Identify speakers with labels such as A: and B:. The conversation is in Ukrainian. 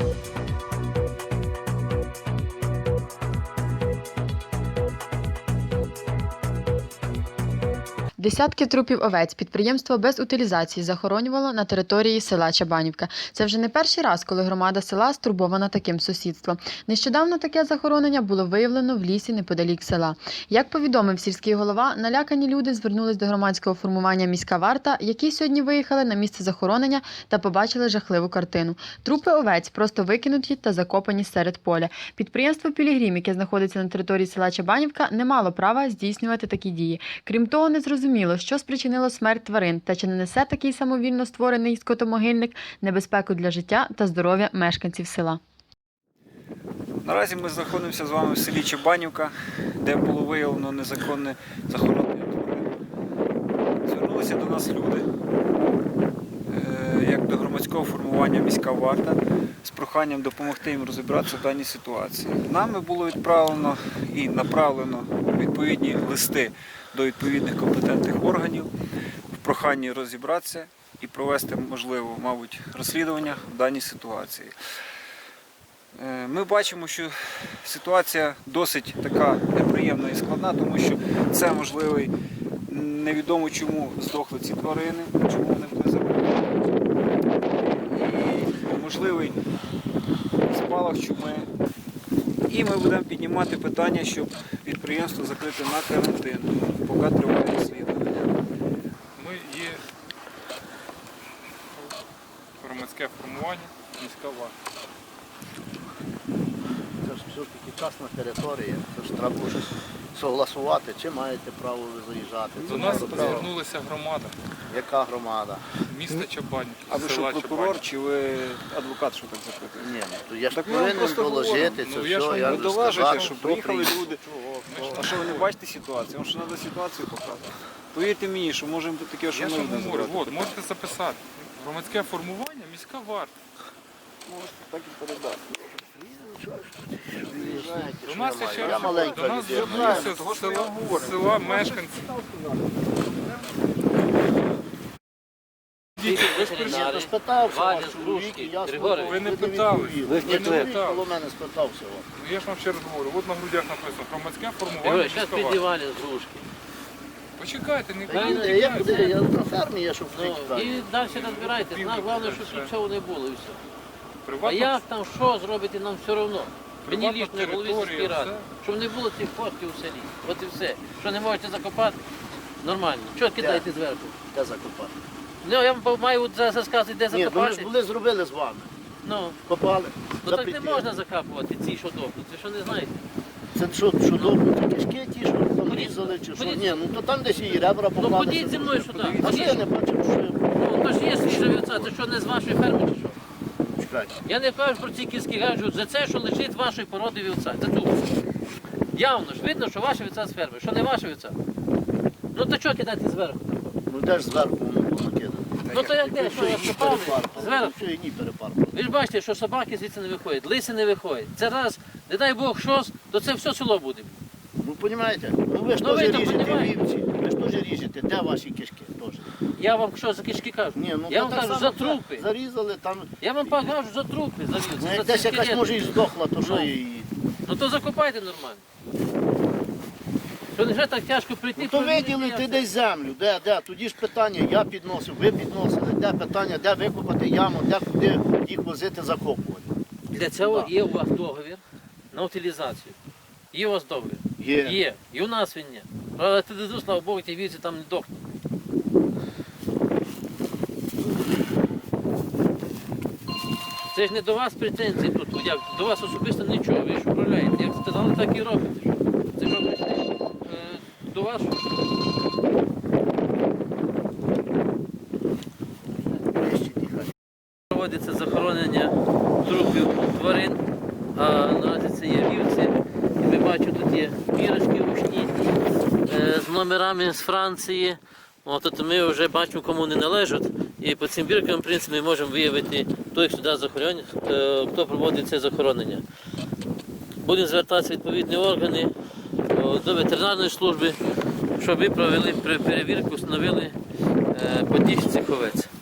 A: Десятки трупів овець підприємство без утилізації захоронювало на території села Чабанівка. Це вже не перший раз, коли громада села стурбована таким сусідством. Нещодавно таке захоронення було виявлено в лісі неподалік села. Як повідомив сільський голова, налякані люди звернулись до громадського формування «Міська варта», які сьогодні виїхали на місце захоронення та побачили жахливу картину. Трупи овець просто викинуті та закопані серед поля. Підприємство «Пілігрім», яке знаходиться на території села Чабанівка, не мало права здійснювати такі дії. Крім того, не зрозуміло, що спричинило смерть тварин та чи не несе такий самовільно створений скотомогильник небезпеку для життя та здоров'я мешканців села.
B: Наразі ми знаходимося з вами в селі Чабанівка, де було виявлено незаконне захоронення тварин. Звернулися до нас люди, як до громадського формування «Міська варта», з проханням допомогти їм розібратися в даній ситуації. Нами було відправлено і направлено відповідні листи до відповідних компетентних органів в проханні розібратися і провести, можливо, мабуть, розслідування в даній ситуації. Ми бачимо, що ситуація досить така неприємна і складна, тому що це можливий, невідомо чому здохли ці тварини, чому вони були забрані, і можливий спалах чуми. І ми будемо піднімати питання, щоб підприємство закрити на карантин, поки триває розслідування.
C: Ми є громадське формування «Міська варта».
D: Це ж все-таки частна територія, це ж треба щось согласувати, чи маєте право ви заїжджати.
C: До нас звернулася громада,
D: Яка громада?
C: міста Чабанівки,
B: А ви що,
C: села
B: прокурор
C: Чабанівки.
B: чи ви адвокат, що так запитуєте?
D: Ні, ну то я ж
B: Так ми вам
D: повинен
B: просто
D: доложити
C: говоримо.
D: це
C: Ну, я ж
D: все,
C: вам
D: я
B: Ви
D: ж
B: доважите,
D: сказати,
B: що
D: хто
B: приїхали
D: приїхав.
B: люди. А що ви не бачите ситуацію? Вам що треба ситуацію показати? Повірте мені, що можемо тут таке, що
C: Я
B: ми
C: ж вам
B: будемо
C: говорю,
B: збирати.
C: от, можете записати. Громадське формування «Міська варта».
B: Можете так і передати.
C: До нас
D: я
C: ще
D: маю?
C: раз
D: Я маленька
C: до нас
D: людина.
C: звернулися
B: Того,
C: з
B: що я
C: села,
B: говорю.
C: з села мешканці.
D: Я спитався
E: Валя,
D: ваш чоловік, і я
E: Григорій,
C: ви не
D: відповів.
C: питали.
D: Ви
C: Ви не
D: чоловік
C: питали.
D: коло мене спитався.
C: Ну, я ж вам ще раз говорю, от на грудях написано «Громадське формування
E: Григорій, зараз
C: «Міська варта».
E: підівали з грушки.
C: Почекайте, не
E: Правильно,
C: кажіть.
D: Я куди? Я на фермі, я щоб
E: Ну,
D: втекти.
E: і далі розбирайтесь. Нам головне, щоб тут цього не було і все. А
C: Приватна
E: як там, що зробити, нам все одно. Мені
C: Приватна
E: лічно голові
C: територія,
E: сільської ради.
C: все.
E: Щоб не було цих фотків у селі. От і все. Що не можете закопати, нормально. Чого кидаєте зверху?
D: Де закопати?
E: Ну, я вам маю зараз сказати, де
D: Ні, ми ж
E: закопати.
D: були зробили з вами.
E: Ну,
D: Копали.
E: ну так не
D: запретили.
E: можна закапувати ці, що дохнуть. Ви що не знаєте?
D: Це що добре, кишки ті, що там різали, чи що?
E: ходіть.
D: Ні, ну то там десь і ребра
E: Ну
D: покладені.
E: ходіть зі мною сюди.
D: А що я не бачив, що я...
E: Ну, то ж є свіжа вівця, це що не з вашої ферми чи що?
D: Чекайте.
E: Я не кажу про ці кіски, кажу за це, що лежить вашої породи вівця. За ту. Явно ж видно, що ваша вівця з ферми, що не ваша вівця. Ну то чого кидати зверху?
D: Ну де ж зверху воно було накидано?
E: Ну то як де, що я скопав зверху?
D: Що і ні перепарпали.
E: Ви ж бачите, що собаки звідси не виходять, лиси не виходять. Це раз, не дай Бог щось, то це все село буде.
D: Ну розумієте? Ну ви ж
E: Ну,
D: теж
E: ви то
D: ріжете
E: понімаєте.
D: вівці. Ви ж теж ріжете. Де ваші кишки теж?
E: Я вам що за кишки кажу?
D: Ні, ну
E: Я
D: то
E: вам
D: так
E: кажу
D: само
E: за трупи.
D: Зарізали там.
E: Я вам кажу за трупи, за
D: Ну
E: вівці.
D: як
E: за
D: десь
E: ці
D: якась
E: скелети.
D: може і здохла, то що
E: Ну.
D: її?
E: Ну то закопайте нормально. Що не вже так тяжко прийти?
D: Ну то
E: провірити,
D: виділити
E: як
D: десь землю. Де? Тоді ж питання, я підносив, ви підносили. Де питання, де викопати яму, де куди їх возити, закопувати.
E: Для цього є у вас договір на утилізацію. Є у вас договір?
D: Є.
E: Є. І у нас він є. Правда, ти дезу, слава Богу, ті вівці там не дохнуть. Це ж не до вас претензії тут. Як? До вас особисто нічого, ви ж управляєте. Як сказали, так і робите. Що? Це що прийшли до вас? Проводиться захоронення трупів тварин, а наразі це є вівці. І ми бачимо, тут є бірочки ручні з номерами з Франції. От ми вже бачимо, кому не належать. І по цим біркам, в принципі, ми можемо виявити, хто їх сюди захоронення, хто проводить це захоронення. Будемо звертатися в відповідні органи до ветеринарної служби, щоб ви провели перевірку, встановили подіж цих овець.